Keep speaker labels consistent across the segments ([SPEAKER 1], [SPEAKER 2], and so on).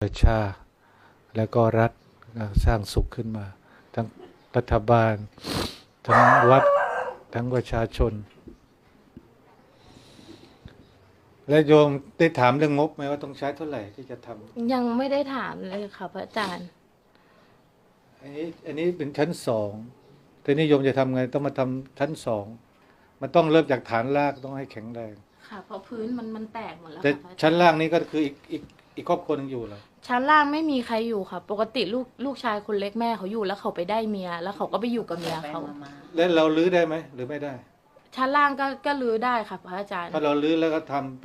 [SPEAKER 1] ประชาแล้วก็รัฐสร้างสุขขึ้นมาทั้งรัฐบาลทั้งวัดทั้งประชาชนและโยมได้ถามเรื่องงบไหมว่าต้องใช้เท่าไหร่ที่จะทำ
[SPEAKER 2] ยังไม่ได้ถามเลยค่ะพระอาจารย์
[SPEAKER 1] อันนี้เป็นชั้นสองแต่นิยมจะทำไงต้องมาทำชั้นสองมันต้องเริ่มจากฐานรากต้องให้แข็งแรง
[SPEAKER 2] ค่ะเพราะพื้นมันแตกหมดแล้ว
[SPEAKER 1] แต่
[SPEAKER 2] ค่ะพระอาจารย์
[SPEAKER 1] ชั้นล่างนี้ก็คืออีกครอบครัวนึงอยู่เหรอ
[SPEAKER 2] ชั้นล่างไม่มีใครอยู่ค่ะ ปกติลูกชายคนเล็กแม่เขาอยู่แล้วเขาไปได้เมียแล้วเขาก็ไปอยู่กับเมียเขา
[SPEAKER 1] แล้วเราลื้อได้ไหมหรือไม่ได้
[SPEAKER 2] ชั้นล่างก็รื้อได้ค่ะพระอาจารย์
[SPEAKER 1] ถ้าเราลื้อแล้วก็ทำ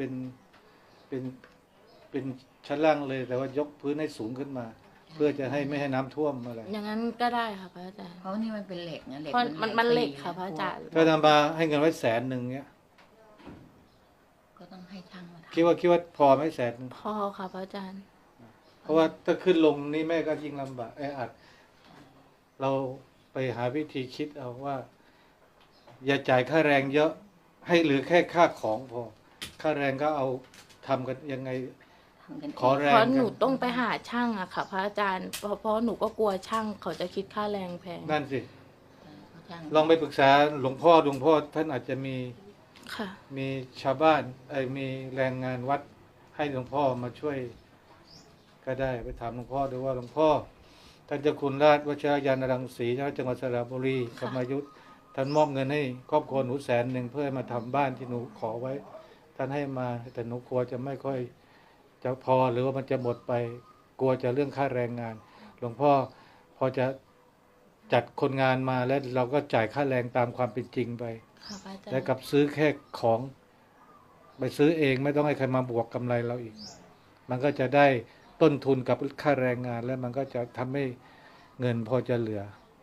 [SPEAKER 1] เป็นชั้นล่างเลยแต่ว่ายกพื้นให้สูงขึ้นมา เพื่อจะให้ไม่ให้น้ำท่วมอะไร
[SPEAKER 2] อย่างนั้นก็ได้ค่ะพระอาจารย์
[SPEAKER 3] เพราะนี่มันเป็นเหล็กนะเหล็ก
[SPEAKER 2] เพราะมันเหล็กค่ะพระอาจารย์
[SPEAKER 1] ถ้านำมาให้เงินไว้100,000เนี้ย
[SPEAKER 3] ก็ต้องให้ช่างมาทำ
[SPEAKER 1] คิดว่าพอไหม100,000
[SPEAKER 2] พอค่ะพระอาจารย์
[SPEAKER 1] เพราะว่าถ้าขึ้นลงนี่แม่ก็ยิ่งลำบากอัดเราไปหาวิธีคิดเอาว่า อย่าจ่ายค่าแรงเยอะให้เหลือแค่ค่าของพอค่าแรงก็เอาทำกันยังไงขอแรง
[SPEAKER 2] เพราะหนูต้องไปหาช่างอะค่ะพระอาจารย์เพราะหนูก็กลัวช่างเขาจะคิดค่าแรงแพง
[SPEAKER 1] นั่นสิ
[SPEAKER 3] ช่าง
[SPEAKER 1] ลองไปปรึกษาหลวงพ่อท่านอาจจะมี
[SPEAKER 2] ค่ะ
[SPEAKER 1] มีชาวบ้านมีแรงงานวัดให้หลวงพ่อมาช่วยก็ได้ไปถามหลวงพ่อดูว่าหลวงพ่อท่านเจ้าคุณราชวชิรยานรังสีจังหวัดสระบุรีธรรมยุทธท่านมอบเงินให้ครอบครัวหนู100,000เพื่อมาทำบ้านที่หนูขอไว้ท่านให้มาแต่หนูกลัวจะไม่ค่อยจะพอหรือว่ามันจะหมดไปกลัวจะเรื่องค่าแรงงานหลวงพ่อพอจะจัดคนงานมาแล้วเราก็จ่ายค่าแรงตามความเป็นจริงไปแล้วกับซื้อแค่ของไปซื้อเองไม่ต้องให้ใครมาบวกกำไรเราอีกมันก็จะได้ต้นทุนกับค่าแรงงานแล้วมันก็จะทำให้เงินพอจะเหลือ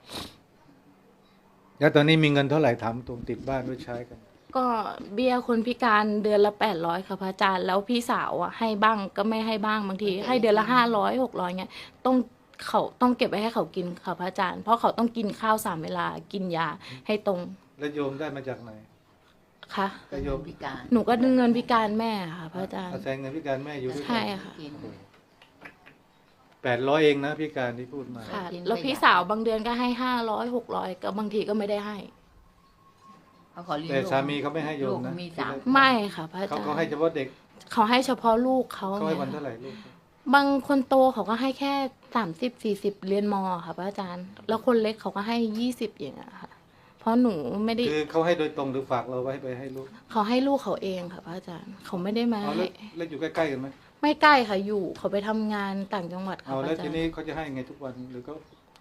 [SPEAKER 1] แล้วตอนนี้มีเงินเท่าไหร่ถามตรงติดบ้านด้วยใช้กัน
[SPEAKER 2] ก็เบี้ยคนพิการเดือนละ800ค่ะพระอาจารย์แล้วพี่สาวอ่ะให้บ้างก็ไม่ให้บ้างบางทีให้เดือนละ500 600เงี้ยเขาต้องเก็บไว้ให้เขากินค่ะพระอาจารย์เพราะเขาต้องกินข้าว3 เวลากินยาให้ตรง
[SPEAKER 1] แล้วโยมได้มาจากไหน
[SPEAKER 2] คะ
[SPEAKER 1] โยม
[SPEAKER 3] พิการ
[SPEAKER 2] หนูก็ดึงเงินพิการแม่ค่ะพระอาจารย์
[SPEAKER 1] อาศัยเงินพิการแม่อยู่ด้วย
[SPEAKER 2] ใช่ค่ะ
[SPEAKER 1] 800เองนะพิการที่พูดมา
[SPEAKER 2] ค่ะแล้วพี่สาวบางเดือนก็ให้500 600ก็บางทีก็ไม่ได้ให้
[SPEAKER 1] แต่สามีเขาไม่ให้โยมนะ
[SPEAKER 2] ไม่ค่ะพระอาจารย์
[SPEAKER 1] เขาให้เฉพาะเด็ก
[SPEAKER 2] เขาให้เฉพาะลูกเขา
[SPEAKER 1] ให้วันเท่าไหร่ลูก
[SPEAKER 2] บางคนโตเขาก็ให้แค่30-40เรียนม.ค่ะพระอาจารย์แล้วคนเล็กเขาก็ให้20อย่างเงี้ยค่ะเพราะหนูไม่ได้
[SPEAKER 1] คือเขาให้โดยตรงหรือฝากเราไว้ไปให้ลูก
[SPEAKER 2] เขาให้ลูกเขาเองค่ะพระอาจารย์เขาไม่ได้มา
[SPEAKER 1] แล้วอยู่ใกล้ๆกันไหม
[SPEAKER 2] ไม่ใกล้ค่ะอยู่เขาไปทำงานต่างจังหวัดค่ะ
[SPEAKER 1] แล้วทีนี้เขาจะให้ไงทุกวันหรือ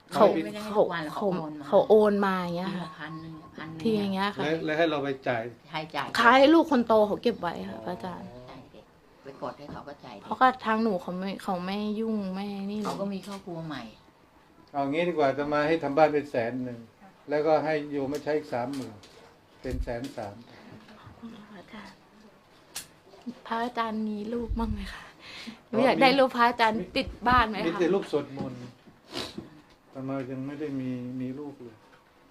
[SPEAKER 2] เขาโอนมาอย่างเงี้ยค่ะ
[SPEAKER 3] 1,000
[SPEAKER 2] ทีอย่างเงี้ยค่ะ
[SPEAKER 1] แล้วให้เราไปจ่าย
[SPEAKER 2] ให้ลูกคนโตเขาเก็บไว้ค่ะพระอาจารย์
[SPEAKER 3] ไปกดให้เขาก็จ่าย
[SPEAKER 2] เพราะก็ทางหนูเขาไม่ยุ่งไม่นี่
[SPEAKER 3] เขาก็มีครอบครัวใหม่
[SPEAKER 1] เอางี้ดีกว่าจะมาให้ทำบ้านเป็น100,000แล้วก็ให้โยมมาใช้อีก30,000เป็น130,000
[SPEAKER 2] พระอาจารย์มีรูปบ้างไหมคะอยากได้รูปพระอาจารย์ติดบ้านไหมคะ
[SPEAKER 1] มีแต่รูปสวดมนต์แต่มายังไม่ได้มีรูปเลย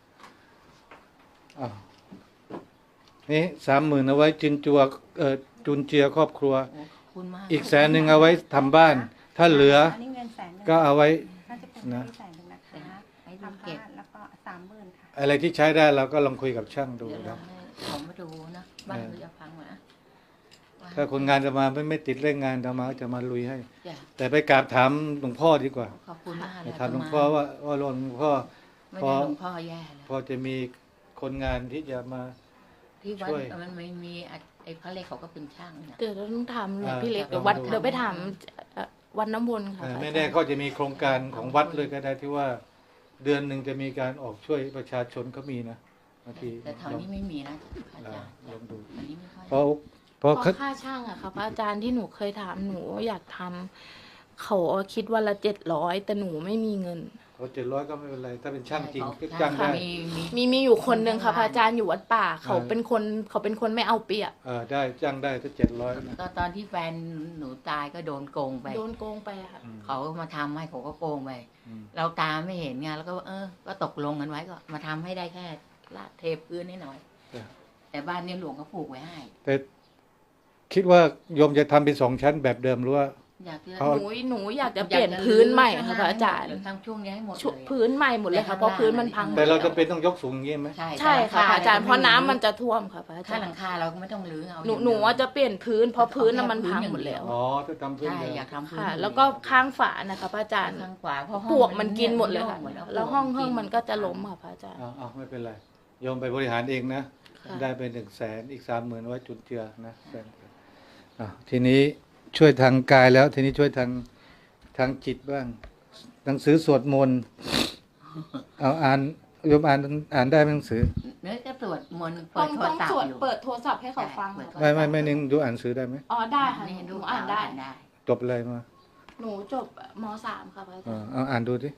[SPEAKER 1] นี่30,000เอาไว้จุนเจือครอบครัวอีก100,000เอาไว้ทำบ้านถ้าเหลือก็เอาไว้นะ
[SPEAKER 3] ทำบ้าน
[SPEAKER 4] แล้วก็30,000ค่ะ
[SPEAKER 1] อะไรที่ใช้ได้เราก็ลองคุยกับช่างดูนะ
[SPEAKER 3] เขามาดูนะบ้านจะพังนะ
[SPEAKER 1] ถ้าคนงานจะมาไม่ติดเร่งงานจะมาลุยให้แต่ไปกราบถามหลวงพ่อดีกว่า
[SPEAKER 3] ขอบคุณมากเลย
[SPEAKER 1] ถามหลวงพ่อว่าหลวงพ่อพอจะมีคนงานที่จะมา
[SPEAKER 3] ที่วัดมันไม่มีไอ้พระเล็กเขาก็เป็นช่าง
[SPEAKER 2] เดี๋ยวเราต้องทำหลวงพี่เล็กเดี๋ยวไปถามวัดน้ำวนค่ะ
[SPEAKER 1] ไม่แน่ก็จะมีโครงการของวัดเลยก็ได้ที่ว่าเดือนหนึ่งจะมีการออกช่วยประชาชนเขามีนะบางที
[SPEAKER 3] แต่แถวนี้ไม่มีนะอาจารย์
[SPEAKER 1] ลองดู
[SPEAKER 2] เพราะค่าช่างอะค่ะพระอาจารย์ที่หนูเคยถามหนูอยากทำเขาคิดวันละ700แต่หนูไม่มีเงิน
[SPEAKER 1] เขา700ก็ไม่เป็นไรถ้าเป็นช่างจริงก็จ้างได้
[SPEAKER 2] มีอยู่คนหนึ่งค่ะพระอาจารย์อยู่วัดป่าเขาเป็นคนไม่เอาเปรียบ
[SPEAKER 1] ได้จ้างได้ถ้า700
[SPEAKER 3] ก็ตอนที่แฟนหนูตายก็โดนโกงไป
[SPEAKER 2] ค่ะ
[SPEAKER 3] เขามาทำให้เขาก็โกงไปเราตาไม่เห็นไงแล้วก็ก็ตกลงกันไว้ก็มาทำให้ได้แค่ลาดเทพื้นนิดหน่อยแต่บ้านนี้หลวงเขาผูกไว้ให้
[SPEAKER 1] แต่คิดว่าโยมจะทำเป็น2 ชั้นแบบเดิมหรือว่า
[SPEAKER 3] อยากจะ
[SPEAKER 1] เขา
[SPEAKER 2] หนูอยากจะเปลี่ยนพื้นใหม่ค่ะพระอาจารย์
[SPEAKER 3] ทั้งช่วงนี้ให้หมด
[SPEAKER 2] ชุ
[SPEAKER 3] เลย
[SPEAKER 2] พื้นใหม่หมดเลยค่ะเพราะพื้นมันพังหมด
[SPEAKER 1] แต่เราจะเป็นต้องยกสูงอย่างนี้ไหม
[SPEAKER 2] ใช่ค่ะพระอาจารย์เพราะน้ำมันจะท่วมค่ะพระอา
[SPEAKER 3] ถ้า
[SPEAKER 2] จาร
[SPEAKER 3] หลัง
[SPEAKER 2] ย์
[SPEAKER 3] คาเราก็ไม่ต้องรื้อเอา
[SPEAKER 2] หนูว่าจะเปลี่ยนพื้นเพราะพื้นน่ะมันพังหมดแล้ว
[SPEAKER 1] อ๋อถ้าทำพื้น
[SPEAKER 3] ใช่
[SPEAKER 1] เดิม
[SPEAKER 3] อยากทำพื้น
[SPEAKER 2] ค่ะ แล้วก็ข้างฝานะคะพระอาจารย์
[SPEAKER 3] ข้างขวาเพราะห้อง
[SPEAKER 2] ปลวกมันกินหมดเลยค่ะ
[SPEAKER 3] โง
[SPEAKER 2] แล้วห้องมันก็จะล้มค่ะพระอาจารย์
[SPEAKER 1] เอาไม่เป็นไรโยมไปบริหารเองนะ
[SPEAKER 2] ค่ะ
[SPEAKER 1] ได้ไป100,000อีก30,000ไว้จุนเจือนะทีนี้ช่วยทางกายแล้ว ทีนี้ช่วยทางจิตบ้างหนังสือสวดมนต์เอาอ่านโยมอ่านได้ไหมหนังสือ
[SPEAKER 3] เนื้อจะตรวจมนต์
[SPEAKER 2] ต้
[SPEAKER 3] เปิ
[SPEAKER 2] อ
[SPEAKER 3] ด
[SPEAKER 2] ง
[SPEAKER 3] โทรศัพ
[SPEAKER 2] สวด
[SPEAKER 3] ท์อยู่
[SPEAKER 2] เปิดโทรศัพท์ให้เขาฟัง
[SPEAKER 3] ใช่
[SPEAKER 2] ค่ะ
[SPEAKER 1] ไม่นึงดูอ่านหนังสือได้ไหม
[SPEAKER 2] อ๋อได้ค่ะ
[SPEAKER 3] นี่
[SPEAKER 2] ห
[SPEAKER 3] ดู
[SPEAKER 2] นูอ่านได้
[SPEAKER 3] ได้
[SPEAKER 1] จบอะไรมา
[SPEAKER 2] หนูจบม .3 ค่ะพระอาจารย์
[SPEAKER 1] เอาอ่านดูดิ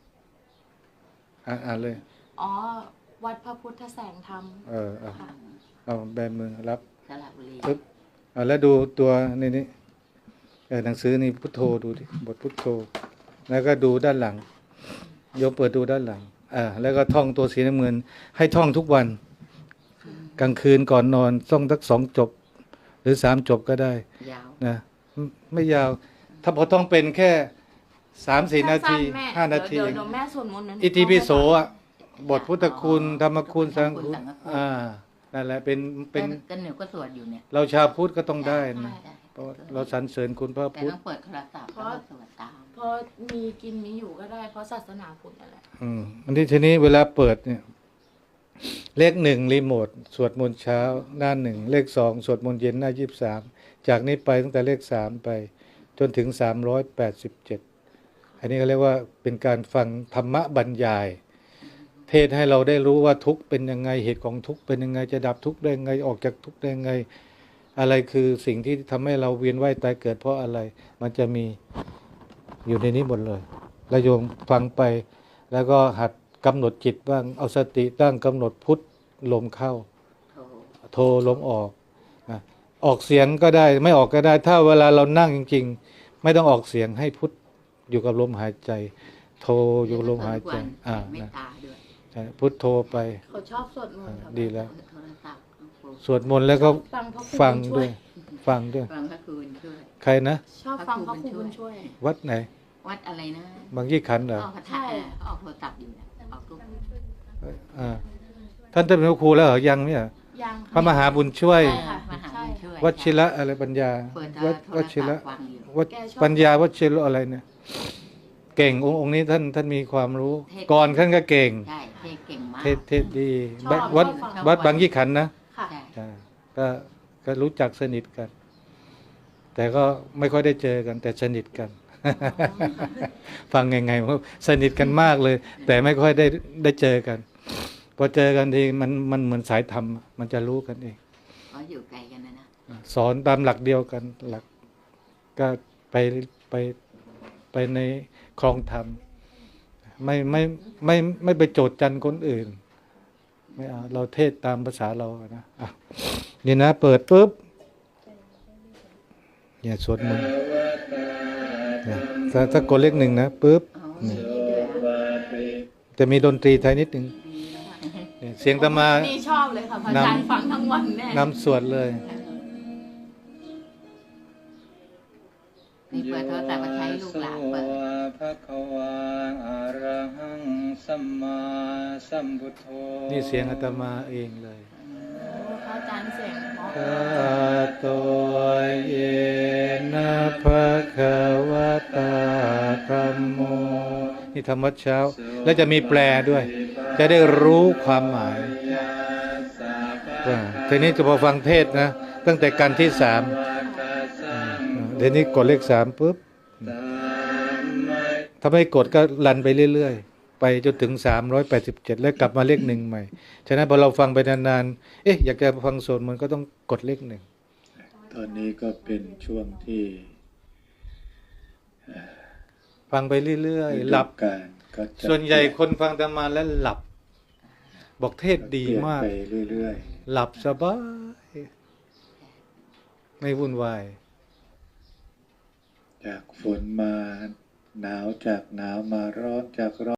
[SPEAKER 1] อ่านเลย
[SPEAKER 2] อ๋อวัดพระพุทธแสงธรรม
[SPEAKER 1] เอาเอาแบมือรับ
[SPEAKER 3] สระบุรี
[SPEAKER 1] ปึ๊บแล้วดูตัวนี่หนังสือนี่พุทโธดูดิบทพุทโธ แล้วก็ดูด้านหลังโยมเปิดดูด้านหลังแล้วก็ท่องตัวสีน้ำเงินให้ท่องทุกวัน กลางคืนก่อนนอนต้องสัก2 จบ หรือ3 จบก็ได้
[SPEAKER 3] ยาว
[SPEAKER 1] นะไม่ยาว ถ้าพอต้องเป็นแค่3-4 นาที
[SPEAKER 2] สั้ๆแม่
[SPEAKER 1] 5 นาที
[SPEAKER 2] เดี๋ยวแม่สวดมนต์นะ
[SPEAKER 1] อิติปิโสอ่ะบทพุทธคุณธรรมคุณสังฆคุณนั่นแหละเป็น
[SPEAKER 3] กันหนูก็สวดอยู่เนี่ย
[SPEAKER 1] เราชาวพุทธก็ต้องได้นะ
[SPEAKER 3] ใช่
[SPEAKER 1] เพราะเราสรรเสริญคุณพระ
[SPEAKER 3] แต่
[SPEAKER 1] พุทธ
[SPEAKER 3] ต้องเปิดโทรศัพท์แล้วก็สวดตาม
[SPEAKER 2] เพราะมีกินมีอยู่ก็ได้เพราะศาสนาพุทธนั่นแหละ
[SPEAKER 1] อันที่ทีนี้เวลาเปิดเนี่ยเลข1รีโมทสวดมนต์เช้าหน้า1เลข2สวดมนต์เย็นหน้า23จากนี้ไปตั้งแต่เลข3ไปจนถึง387อันนี้ก็เรียกว่าเป็นการฟังธรรมะบรรยาย เทศให้เราได้รู้ว่าทุกข์เป็นยังไงเหตุของทุกข์เป็นยังไงจะดับทุกข์ได้ยังไงออกจากทุกข์ได้ยังไงอะไรคือสิ่งที่ทำให้เราเวียนว่ายตายเกิดเพราะอะไรมันจะมีอยู่ในนี้หมดเลยแล้วโยมฟังไปแล้วก็หัดกำหนดจิตบ้างเอาสติตั้งกำหนดพุทธลมเข้า โทลมออกนะออกเสียงก็ได้ไม่ออกก็ได้ ถ้าเวลาเรานั่งจริงๆไม่ต้องออกเสียงให้พุทธอยู่กับลมหายใจ โทอยู่กับลมหายใจ
[SPEAKER 3] เมต
[SPEAKER 1] นะ
[SPEAKER 3] ตาด้วย
[SPEAKER 1] ใช่พุทโธไป
[SPEAKER 2] เขาชอบสวดมนต์ค่ะ
[SPEAKER 1] ดีแล้ว
[SPEAKER 3] โทรศัพท์
[SPEAKER 1] สวดมนต์แล้วก็
[SPEAKER 2] ฟังพระครู
[SPEAKER 1] ฟัง
[SPEAKER 2] บุญช่
[SPEAKER 1] ด้วย ฟังด้วย
[SPEAKER 3] ฟังพระครูบุญช่วย
[SPEAKER 1] ใครนะ
[SPEAKER 2] ชอบฟังพระครูบุญช่วย
[SPEAKER 1] วัดไหน
[SPEAKER 3] วัดอะไรนะ
[SPEAKER 1] บางยี่ขันธ์เหรอ
[SPEAKER 3] ออกพระธาตุออกโทรศัพท์อยู่นะออกรูป
[SPEAKER 1] ท่านเป็นพระครูแล้วเหรอยังเนี่ย
[SPEAKER 2] ยัง
[SPEAKER 1] พระมหาบุญช่วย
[SPEAKER 2] ใช่ค่ะ
[SPEAKER 3] มหาบุญช่วย
[SPEAKER 1] วชิระอะไรปัญญา
[SPEAKER 3] เปิด
[SPEAKER 1] วัด
[SPEAKER 3] โท
[SPEAKER 1] ว
[SPEAKER 3] ร
[SPEAKER 1] ชิ
[SPEAKER 3] ศั
[SPEAKER 1] ระ
[SPEAKER 3] พท์ฟังอยู่
[SPEAKER 1] วัดปัญญาวชิระอะไรเนี่ย เก่งองค์นี้ท่านมีความรู้ ก่อนท่านก็เก่ง
[SPEAKER 3] ใช่เทศเก่งมาก
[SPEAKER 1] เทศดีวัดบางยี่ขันธ์นะ
[SPEAKER 2] ค่ะ
[SPEAKER 3] ใช่
[SPEAKER 1] ใช่ก็รู้จักสนิทกัน แต่ก็ไม่ค่อยได้เจอกัน แต่สนิทกัน ฟังไงว่าสนิทกันมากเลย แต่ไม่ค่อยได้เจอกัน พอเจอกันทีมันเหมือนสายธรรมมันจะรู้กันเอง
[SPEAKER 3] เขาอยู่ไกลกันนะ
[SPEAKER 1] สอนตามหลักเดียวกันหลักก็ไปในครองธรรมไม่ไปโจทย์จันคนอื่นไม่เอาเราเทศตามภาษาเรานะนี่นะเปิดปุ๊บอย่าสวดมนต์เนี่ยถ้ากดเลข1นะปุ๊บ
[SPEAKER 3] อ๋อมีด้วยอ่ะ
[SPEAKER 1] จะมีดนตรีไทยนิดหนึ่งเนี่ยเสียงตะมา
[SPEAKER 2] นี่ชอบเลยค่ะพระอาจารย์ฟังทั้งวันแน่
[SPEAKER 1] นำสวดเลย
[SPEAKER 3] นี่เปิดโทรศัพท์มาใช้ลูกหลานเปิด
[SPEAKER 4] ภะคะวาอะระหังสัมมาสัมพุทโธ
[SPEAKER 1] นี่เสียงอาตมาเองเลย
[SPEAKER 2] พระอาจารย์เสียงเพราะ
[SPEAKER 1] กาโตเยนะภะคะวะตาธัมโมนี่ธรรมวัดเช้า แล้วจะมีแปลด้วย จะได้รู้ความหมายทีนี้จะพอฟังเทศนะ ตั้งแต่กันที่3เดี๋ยวนี้กดเลข3ปุ๊บถ้าไม่กดก็ลันไปเรื่อยๆ ไปจนถึง387แล้วกลับมาเลข1ใหม่ ฉะนั้นพอเราฟังไปนานๆ อยากจะฟังสวดมันก็ต้องกดเลข1
[SPEAKER 4] ตอนนี้ก็เป็นช่วงที่
[SPEAKER 1] ฟังไปเรื่อยๆ หลับ
[SPEAKER 4] การก็จะ
[SPEAKER 1] ส่วนใหญ่คนฟังธรรมาแล้วหลับ บอกเทศดี
[SPEAKER 4] เปลี่ยน
[SPEAKER 1] มาก
[SPEAKER 4] ไปเรื่อย
[SPEAKER 1] หลับสบาย ไม่วุ่นวาย
[SPEAKER 4] ๆ จากฝนมาหนาวจากหนาวมาร้อนจากร้อน